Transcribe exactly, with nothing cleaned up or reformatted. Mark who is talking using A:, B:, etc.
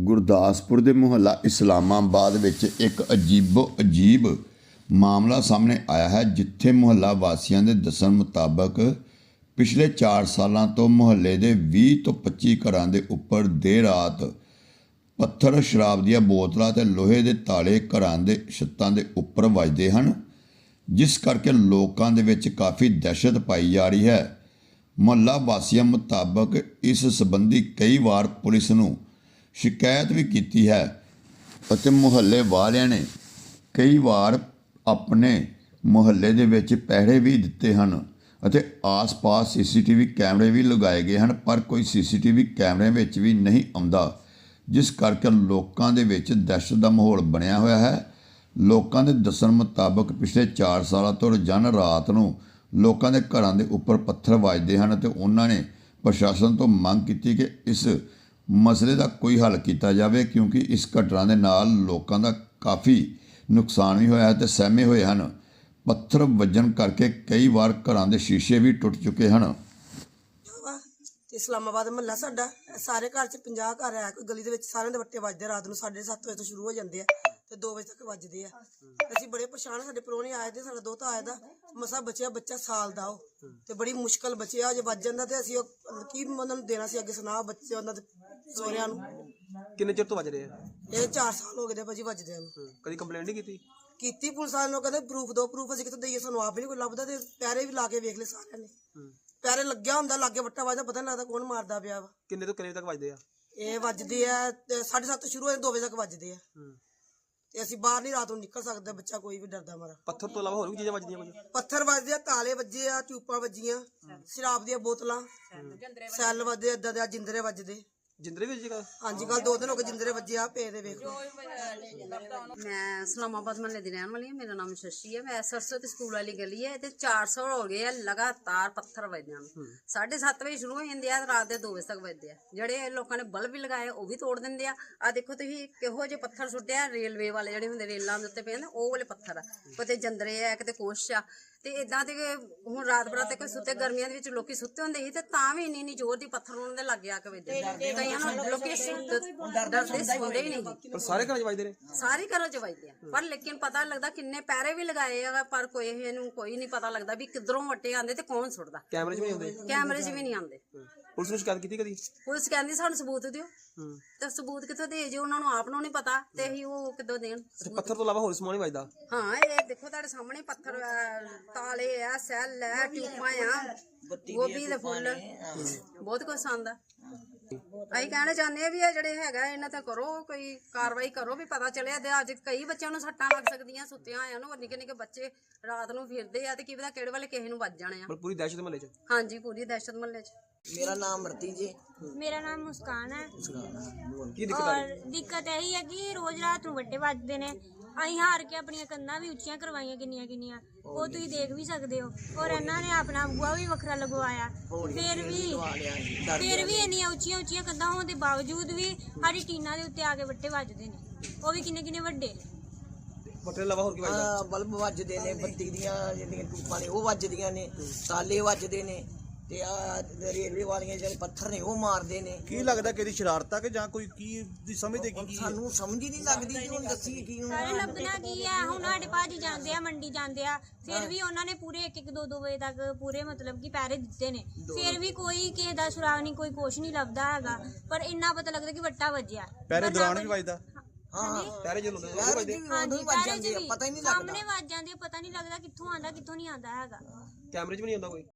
A: ਗੁਰਦਾਸਪੁਰ ਦੇ ਮੁਹੱਲਾ ਇਸਲਾਮਾਬਾਦ ਵਿੱਚ ਇੱਕ ਅਜੀਬੋ ਅਜੀਬ ਮਾਮਲਾ ਸਾਹਮਣੇ ਆਇਆ ਹੈ, ਜਿੱਥੇ ਮੁਹੱਲਾ ਵਾਸੀਆਂ ਦੇ ਦੱਸਣ ਮੁਤਾਬਕ ਪਿਛਲੇ ਚਾਰ ਸਾਲਾਂ ਤੋਂ ਮੁਹੱਲੇ ਦੇ ਵੀਹ ਤੋਂ ਪੱਚੀ ਘਰਾਂ ਦੇ ਉੱਪਰ ਦੇਰ ਰਾਤ ਪੱਥਰ, ਸ਼ਰਾਬ ਦੀਆਂ ਬੋਤਲਾਂ ਤੇ ਲੋਹੇ ਦੇ ਤਾਲੇ ਘਰਾਂ ਦੇ ਛੱਤਾਂ ਦੇ ਉੱਪਰ ਵੱਜਦੇ ਹਨ, ਜਿਸ ਕਰਕੇ ਲੋਕਾਂ ਦੇ ਵਿੱਚ ਕਾਫੀ ਦਹਿਸ਼ਤ ਪਾਈ ਜਾ ਰਹੀ ਹੈ। ਮੁਹੱਲਾ ਵਾਸੀਆਂ ਮੁਤਾਬਕ ਇਸ ਸੰਬੰਧੀ ਕਈ ਵਾਰ ਪੁਲਿਸ ਨੂੰ ਸ਼ਿਕਾਇਤ ਵੀ ਕੀਤੀ ਹੈ ਅਤੇ ਮੁਹੱਲੇ ਵਾਲਿਆਂ ਨੇ ਕਈ ਵਾਰ ਆਪਣੇ ਮੁਹੱਲੇ ਦੇ ਵਿੱਚ ਪਹਿਰੇ ਵੀ ਦਿੱਤੇ ਹਨ ਅਤੇ ਆਸ-ਪਾਸ ਸੀ ਸੀ ਟੀ ਵੀ ਕੈਮਰੇ ਵੀ ਲਗਾਏ ਗਏ ਹਨ, ਪਰ ਕੋਈ ਸੀ ਸੀ ਟੀ ਵੀ ਕੈਮਰੇ ਵਿੱਚ ਵੀ ਨਹੀਂ ਆਉਂਦਾ, ਜਿਸ ਕਰਕੇ ਲੋਕਾਂ ਦੇ ਵਿੱਚ ਦਹਿਸ਼ਤ ਦਾ ਮਾਹੌਲ ਬਣਿਆ ਹੋਇਆ ਹੈ। ਲੋਕਾਂ ਦੇ ਦੱਸਣ ਮੁਤਾਬਕ ਪਿਛਲੇ ਚਾਰ ਸਾਲਾਂ ਤੋਂ ਰੋਜ਼ਾਨਾ ਰਾਤ ਨੂੰ ਲੋਕਾਂ ਦੇ ਘਰਾਂ ਦੇ ਉੱਪਰ ਪੱਥਰ ਵੱਜਦੇ ਹਨ ਅਤੇ ਉਹਨਾਂ ਨੇ ਪ੍ਰਸ਼ਾਸਨ ਤੋਂ ਮੰਗ ਕੀਤੀ ਕਿ ਇਸ ਮਸਲੇ ਦਾ ਕੋਈ ਹੱਲ ਕੀਤਾ ਜਾਵੇ, ਕਿਉਂਕਿ ਇਸ ਘਟਨਾ ਦੇ ਨਾਲ ਲੋਕਾਂ ਦਾ ਕਾਫੀ ਨੁਕਸਾਨ ਵੀ ਹੋਇਆ ਹੈ ਤੇ ਸਹਿਮੇ ਹੋਏ ਹਨ। ਪੱਥਰ ਵੱਜਣ ਕਰਕੇ ਕਈ ਵਾਰ ਘਰਾਂ ਦੇ ਸ਼ੀਸ਼ੇ ਵੀ ਟੁੱਟ ਚੁੱਕੇ ਹਨ।
B: ਇਸਲਾਮਾਬਾਦ ਮਹੱਲਾ ਸਾਡਾ, ਸਾਰੇ ਘਰ ਚ ਪੰਜਾਹ ਘਰ ਹੈ, ਕੋਈ ਗਲੀ ਦੇ ਵਿੱਚ ਸਾਰਿਆਂ ਦੇ ਵੱਟੇ ਵੱਜਦੇ, ਰਾਤ ਨੂੰ ਸਾਢੇ ਸੱਤ ਵਜੇ ਤੋਂ ਸ਼ੁਰੂ ਹੋ ਜਾਂਦੇ ਆ ਤੇ ਦੋ ਵਜੇ ਤੱਕ ਵੱਜਦੇ ਆ। ਅਸੀਂ ਬੜੇ ਪਰੇਸ਼ਾਨ, ਸਾਡੇ ਪ੍ਰਾਹੁਣੇ ਆਏ ਤੇ ਸਾਡਾ ਦੋਤਾ ਆਇਆ ਦਾ ਮਸਾ ਬਚਿਆ, ਬੱਚਾ ਸਾਲ ਦਾ ਉਹ ਤੇ ਬੜੀ ਮੁਸ਼ਕਲ ਬਚਿਆ, ਜੇ ਵੱਜ ਜਾਂਦਾ ਤੇ ਅਸੀਂ ਉਹ ਕੀ ਉਹਨਾਂ ਨੂੰ ਦੇਣਾ ਸੀ ਅੱਗੇ ਸੁਣਾ ਬੱਚੇ ਉਹਨਾਂ ਦੇ ਸਹੁਰਿਆਂ ਨੂੰ।
C: ਕਿੰਨੇ ਚਿਰ ਤੋਂ ਵੱਜ ਰਹੇ ਆ
B: ਇਹ ਚਾਰ ਸਾਲ ਹੋ ਗਏ ਨੇ ਭਾਜੀ ਵੱਜਦੇ ਨੂੰ।
C: ਕਦੀ ਕੰਪਲੇਂਟ ਨਹੀਂ ਕੀਤੀ?
B: ਕੀਤੀ ਪੁਲਿਸ ਵਾਲਿਆਂ ਨੂੰ, ਕਹਿੰਦੇ ਪ੍ਰੂਫ ਦੋ ਪ੍ਰੂਫ ਅਸੀਂ ਕਿੱਥੋਂ ਦਈਏ, ਸਾਨੂੰ ਆਪ ਵੀ ਨਹੀਂ ਕੋਈ ਲੱਭਦਾ ਤੇ ਪੈਰੇ ਵੀ ਲਾ ਕੇ ਵੇਖ ਲਏ ਸਾਰਿਆਂ ਨੇ, ਪੈਰੇ ਲੱਗਿਆ ਹੁੰਦਾ, ਲਾਗੇ ਵੱਟਾ ਵੱਜਦਾ, ਪਤਾ ਨਹੀਂ ਲੱਗਦਾ ਕੌਣ ਮਾਰਦਾ ਪਿਆ ਵਾ।
C: ਕਿੰਨੇ ਤੋਂ ਕਿੰਨੇ ਤੱਕ ਵੱਜਦੇ ਆ?
B: ਇਹ ਵੱਜਦੇ ਆ ਤੇ ਸਾਢੇ ਸੱਤ ਸ਼ੁਰੂ ਹੋਏ, ਦੋ ਵਜੇ ਤੱਕ ਵੱਜਦੇ ਆ ਤੇ ਅਸੀਂ ਬਾਹਰ ਨਹੀਂ ਰਾਤ ਨੂੰ ਨਿਕਲ ਸਕਦੇ, ਬੱਚਾ ਕੋਈ ਵੀ ਡਰਦਾ ਮਾਰਾ।
C: ਪੱਥਰ ਤੋਂ ਇਲਾਵਾ ਹੋਰ ਵੀ ਚੀਜ਼ਾਂ ਵੱਜਦੀਆਂ ਕੁਝ?
B: ਪੱਥਰ ਵੱਜਦੇ ਆ, ਤਾਲੇ ਵੱਜੇ ਆ, ਟਿਊਪਾਂ ਵੱਜੀਆਂ, ਸ਼ਰਾਬ ਦੀਆਂ ਬੋਤਲਾਂ, ਸੈੱਲ ਵੱਜਦੇ, ਏਦਾਂ ਦੇ ਜਿੰਦਰੇ ਵੱਜਦੇ।
C: ਜਿੰਦਰੇ ਵੀ ਜਗ੍ਹਾ?
B: ਹਾਂਜੀ, ਕੱਲ ਦੋ ਦਿਨ ਹੋ ਗਏ ਜਿੰਦਰੇ ਵੱਜੇ ਆ ਪਏ ਦੇ, ਵੇਖ ਲਓ।
D: ਮੈਂ ਇਸਲਾਮਾਬਾਦ ਮਹੱਲੇ ਦੀ ਰਹਿਣ ਵਾਲੀ ਹਾਂ, ਮੇਰਾ ਨਾਮ ਸ਼ਸ਼ੀ ਹੈ। ਮੈਂ ਸਰਸਵਤੀ ਸਕੂਲ ਵਾਲੀ ਗਲੀ ਹੈ ਤੇ ਚਾਰ ਸੌ ਹੋ ਗਏ ਆ ਲਗਾਤਾਰ ਪੱਥਰ ਵੱਜਦੇ ਹਨ। ਸਾਢੇ ਸੱਤ ਵਜੇ ਸ਼ੁਰੂ ਹੋ ਜਾਂਦੇ ਆ, ਰਾਤ ਦੇ ਦੋ ਵਜੇ ਤੱਕ ਵੱਜਦੇ ਆ। ਜਿਹੜੇ ਲੋਕਾਂ ਨੇ ਬਲਬ ਵੀ ਲਗਾਏ ਉਹ ਵੀ ਤੋੜ ਦਿੰਦੇ ਆ। ਆ ਦੇਖੋ ਤੁਸੀਂ ਕਿਹੋ ਜਿਹੇ ਪੱਥਰ ਸੁੱਟਿਆ, ਰੇਲਵੇ ਵਾਲੇ ਜਿਹੜੇ ਹੁੰਦੇ ਰੇਲਾਂ ਦੇ ਉੱਤੇ ਪਏ ਨੇ ਉਹ ਵਾਲੇ ਪੱਥਰ ਆ, ਕਿਤੇ ਜੰਦਰੇ ਆ, ਕਿਤੇ ਕੁਛ ਆ। ਤੇ ਇਦਾਂ ਤੇ ਹੁਣ ਰਾਤ ਬਰਾਤ ਤੇ ਕੋਈ ਸੁੱਤੇ, ਗਰਮੀਆਂ ਦੇ ਵਿੱਚ ਲੋਕੀ ਸੁੱਤੇ ਹੁੰਦੇ ਸੀ ਤੇ ਤਾਂ ਵੀ ਇੰਨੀ ਇੰਨੀ ਜ਼ੋਰ ਦੀ ਪੱਥਰ ਉਹਨਾਂ ਦੇ ਲੱਗ ਆ ਕੇ ਵੱਜਦੇ। ਕਈਆਂ ਨੂੰ ਲੋਕੀ ਡਰਦੇ ਸੌਂਦੇ ਹੀ ਨਹੀਂ।
C: ਪਰ ਸਾਰੇ ਘਰਾਂ 'ਚ ਵੱਜਦੇ ਨੇ?
D: ਸਾਰੇ ਘਰਾਂ 'ਚ ਵੱਜਦੇ ਆ, ਪਰ ਲੇਕਿਨ ਪਤਾ ਲੱਗਦਾ ਕਿੰਨੇ ਪੈਰੇ ਵੀ ਲਗਾਏ ਆ, ਪਰ ਕੋਈ ਇਹਨੂੰ ਕੋਈ ਨਹੀਂ ਪਤਾ ਲੱਗਦਾ ਵੀ ਕਿੱਧਰੋਂ ਵੱਟੇ ਆਉਂਦੇ ਤੇ ਕੌਣ ਸੁੱਟਦਾ।
C: ਕੈਮਰੇ 'ਚ ਵੀ ਨਹੀਂ ਆਉਂਦੇ?
D: ਕੈਮਰੇ 'ਚ ਵੀ ਨਹੀਂ ਆਉਂਦੇ।
C: ਪੁਲਿਸ ਨੂੰ ਸ਼ਿਕਾਇਤ ਕੀਤੀ ਕਦੀ?
D: ਪੁਲਿਸ ਕਹਿੰਦੀ ਸਾਨੂੰ ਸਬੂਤ ਦਿਓ, ਤੇ ਸਬੂਤ ਕਿੱਥੋਂ ਦੇ ਜੇ ਉਹਨਾਂ ਨੂੰ ਆਪ ਨੂੰ ਨਹੀਂ ਪਤਾ ਤੇ ਅਸੀਂ ਉਹ ਕਿੱਦੋਂ ਦੇਣ।
C: ਪੱਥਰ ਤੋਂ ਇਲਾਵਾ ਹੋਰ ਸਮਾਨ ਨਹੀਂ ਵੱਜਦਾ?
D: ਹਾਂ, ਇਹ ਦੇਖੋ ਤੁਹਾਡੇ ਸਾਹਮਣੇ ਪੱਥਰ, ਤਾਲੇ ਆ, ਸੈੱਲ ਆ, ਟਿਊਪਾਂ ਆ, ਗੋਭੀ ਦੇ ਫੁੱਲ, ਬਹੁਤ ਕੁਛ ਆਉਂਦਾ। ਅਸੀਂ ਕਹਿਣਾ ਚਾਹੁੰਦੇ ਆ ਵੀ ਇਹ ਜਿਹੜੇ ਹੈਗਾ ਇਹਨਾਂ ਤੇ ਕਰੋ, ਕੋਈ ਕਾਰਵਾਈ ਕਰੋ ਵੀ ਪਤਾ ਚੱਲਿਆ। ਤੇ ਅੱਜ ਕਈ ਬੱਚਿਆਂ ਨੂੰ ਸੱਟਾਂ ਲੱਗ ਸਕਦੀਆਂ ਸੁੱਤਿਆਂ ਆਇਆਂ ਨੂੰ, ਨਿੱਕੇ ਨਿੱਕੇ ਬੱਚੇ ਰਾਤ ਨੂੰ ਫਿਰਦੇ ਆ ਤੇ ਕੀ ਪਤਾ ਕਿਹੜੇ ਵੇਲੇ ਕਿਸੇ ਨੂੰ ਵੱਜ ਜਾਣੇ ਆ।
C: ਪੂਰੀ ਦਹਿਸ਼ਤ ਮਹੱਲੇ 'ਚ?
D: ਹਾਂਜੀ, ਪੂਰੀ ਦਹਿਸ਼ਤ ਮਹੱਲੇ 'ਚ।
E: मेरा नाम मरती जी।
F: मेरा नाम मुस्कान है।
C: ਕੀ ਦਿੱਕਤ ਆ
F: और
C: ਰਹੀ?
F: दिक्कत यही है कि रोज रात ਨੂੰ ਵੱਟੇ ਵੱਜਦੇ ਨੇ। ਅਸੀਂ ਹਾਰ ਕੇ ਆਪਣੀਆਂ ਕੰਧਾਂ ਵੀ ਉੱਚੀਆਂ ਕਰਵਾਈਆਂ ਕਿੰਨੀਆਂ ਕਿੰਨੀਆਂ, ਉਹ ਤੁਸੀਂ ਦੇਖ ਵੀ ਸਕਦੇ ਹੋ। ਔਰ ਇਹਨਾਂ ਨੇ ਆਪਣਾ ਬੂਆ ਵੀ ਵੱਖਰਾ ਲਗਵਾਇਆ, ਫਿਰ ਵੀ ਫਿਰ ਵੀ ਇੰਨੀਆਂ ਉੱਚੀਆਂ ਉੱਚੀਆਂ ਕੰਧਾਂ ਹੋਣ ਦੇ ਬਾਵਜੂਦ ਵੀ ਸਾਡੀ ਟੀਨਾਂ ਦੇ ਉੱਤੇ ਆ ਕੇ ਵੱਟੇ ਵੱਜਦੇ ਨੇ, ਉਹ ਵੀ ਕਿੰਨੇ ਕਿੰਨੇ ਵੱਡੇ।
C: ਪੱਥਰ ਇਲਾਵਾ ਹੋਰ ਕੀ ਵੱਜਦਾ?
E: ਬਲਬ ਵੱਜਦੇ ਨੇ, ਬੱਤੀ ਦੀਆਂ ਜਿਹੜੀਆਂ ਟੂਪਾਂ ਨੇ ਉਹ ਵੱਜਦੀਆਂ ਨੇ, ਤਾਲੇ ਵੱਜਦੇ ਨੇ ਤੇ ਆ ਰੇਲਵੇ ਵਾਲੀਆਂ ਜਿਹੜੇ ਪੱਥਰ ਨੇ ਉਹ ਮਾਰਦੇ ਨੇ।
G: ਕੀ ਲੱਗਦਾ ਕਿ ਇਹਦੀ ਸ਼ਰਾਰਤ ਆ ਕਿ ਜਾਂ ਕੋਈ ਕੀ ਦੀ ਸਮਝਦੇ ਕੀ ਕੀ?
E: ਸਾਨੂੰ ਸਮਝ ਹੀ ਨਹੀਂ ਲੱਗਦੀ ਕਿ ਹੁਣ ਦੱਸੀ ਕੀ ਹੁਣ।
F: ਸਾਰੇ ਲੱਭਣਾ ਕੀ ਹੈ, ਹੁਣ ਸਾਡੇ ਭਾਜੀ ਜਾਂਦੇ ਆ ਮੰਡੀ ਜਾਂਦੇ ਆ, ਫਿਰ ਵੀ ਉਹਨਾਂ ਨੇ ਪੂਰੇ ਇੱਕ ਇੱਕ ਦੋ ਦੋ ਵਜੇ ਤੱਕ ਪੂਰੇ ਮਤਲਬ ਕਿ ਪੈਰੇ ਦਿੱਤੇ ਨੇ, ਫਿਰ ਵੀ ਕੋਈ ਕਿਸੇ ਦਾ ਸੁਰਾਗ ਨਹੀਂ, ਕੋਈ ਕੁਛ ਨਹੀਂ ਲੱਭਦਾ ਹੈਗਾ। ਪਰ ਇੰਨਾ ਪਤਾ ਲੱਗਦਾ ਕਿ ਵੱਟਾ ਵੱਜਿਆ।
G: ਪਹਿਰੇ ਦੌਰਾਨ ਵੀ ਵੱਜਦਾ?
E: ਹਾਂ,
C: ਪੈਰੇ ਚ ਲਾਉਂਦੇ?
F: ਹਾਂਜੀ,
E: ਵੱਜ ਜਾਂਦੇ ਆ, ਪਤਾ ਹੀ ਨਹੀਂ ਲੱਗਦਾ।
F: ਸਾਹਮਣੇ ਵੱਜ ਜਾਂਦੇ, ਪਤਾ ਨਹੀਂ ਲੱਗਦਾ ਕਿੱਥੋਂ ਆਂਦਾ ਕਿੱਥੋਂ ਨਹੀਂ ਆਂਦਾ ਹੈਗਾ।
C: ਕੈਮਰੇ 'ਚ ਵੀ ਨਹੀਂ ਆਉਂਦਾ ਕੋਈ?